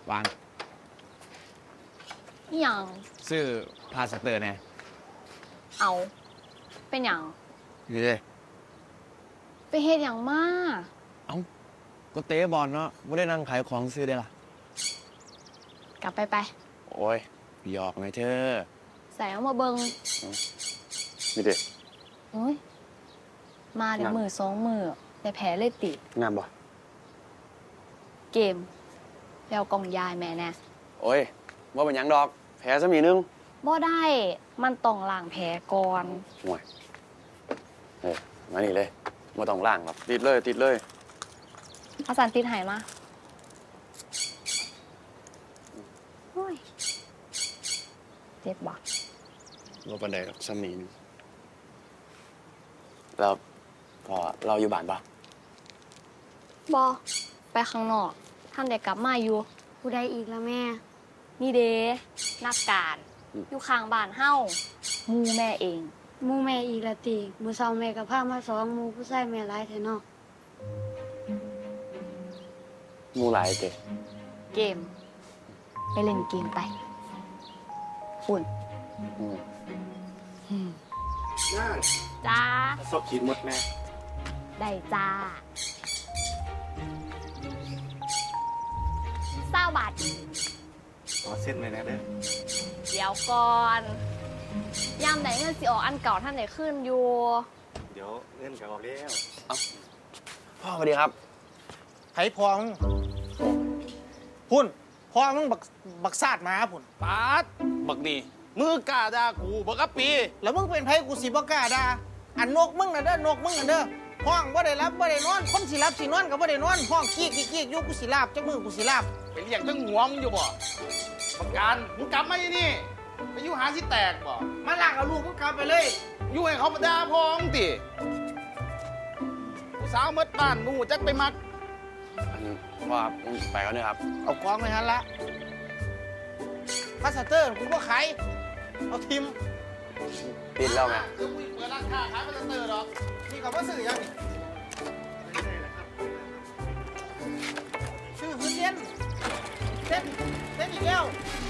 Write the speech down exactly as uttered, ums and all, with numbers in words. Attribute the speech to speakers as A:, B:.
A: วาง
B: นี่ยัง
A: ซื้อพาสเตอร์แน่
B: เอาเป็นอย่าง
A: นี่เลย
B: ไปเฮ็ดอย่างมาก
A: เอ้าก็เตะบอลเนาะไม่ได้นั่งขายของซื้อได้ล่ะ
B: กลับไปไป
A: โอ้ยหยอกไงเธอ
B: ใส่เอามาเบิง
A: นี่เด็
B: โอ้ยมาเดี๋ยวมือสองมือแต่แผลเลยติด
A: งามบ่
B: เกมแล้วกล่องยายแม่แน่
A: โอ้ยว่าเป็นยังดอกแผลซะมีนึง
B: บ่ได้มันต้องล้างแผลก่อน
A: ห่วยเฮ้ยมานี่เลยมาต้องล้างหรอกติดเลยติดเลย
B: อาจารย์ติดหายมาโอ้ยเจ็บบ่
A: ว่าปันใดหรอกซ้ำนี้นึงแล้วพอเราอยู่บ้านปะ
B: บอไปข้างนอกท่านเด็กกลับมาอยู่
C: ผู้ใดอีกละแม่
B: นี่เด้นักการอยู่ข้างบ้านเฮ้ามูแม่เอง
C: มูแม่อีกละติมูเศร้าแม่กับผ้ามาสองมูผู้ใส่แม่ร้ายแท้เนาะ
A: มูหลายเตะ
B: เกมไปเล่นเกมไปฝุ่นจ้า
A: ซบขีดมดแม่
B: ได้จ้าเศร้าบาท
A: ขอเส้นเลยนะเด้อ
B: เดี๋ยวก่อนยามไหนเงินสิออกอันเก่าท่านไหนขึ้นอยู่
A: เดี๋ยวเงินกับออกแล้วเอ้าพ่อสวัสดีครับ
D: ไผ่พองพุ่นพ่อมึงบักบักซาดมาพุ่น
E: ปาดบักนี่มือกล้าด่ากูบักกะปี
D: แล้วมึงเป็นไผ่กูสิบ่กล้าด่าอันนกมึงน่ะเด้อนกมึงน่ะเด้อห้องบ่ได้รับบ่ได้นอนคนสิรับสินอนก็บ่ได้นอนห้องกี้กี้กี้อยู่กูสิลาบจักมือกูสิลาบ
E: ไปเลี้ยงตั้งหัวมึงอยู่บ่ประกันมึงกลับมาที่นี่ไปอยู่หาสิแตกบ่
D: มาลากเอาลูกมึงกลับไปเลย
E: อยู่ให้เขามาด่าพ้องติผู้สาวเมดบ้านมึงหูจักไปมัก
A: อันว่าไปแล้วเนี่ยครับ
D: เอากองไปหันละพาสเตอร์กูบ่ขายเอาทิม
A: ติดแล้วไง
E: เดี๋ยวกูเปิดร้านค้าขายพาสเตอร์หรอก
D: นี่เขาบ่ซื้อยังนี่ซื้อหื้อเส้นเส้นเส้นอีกแล้ว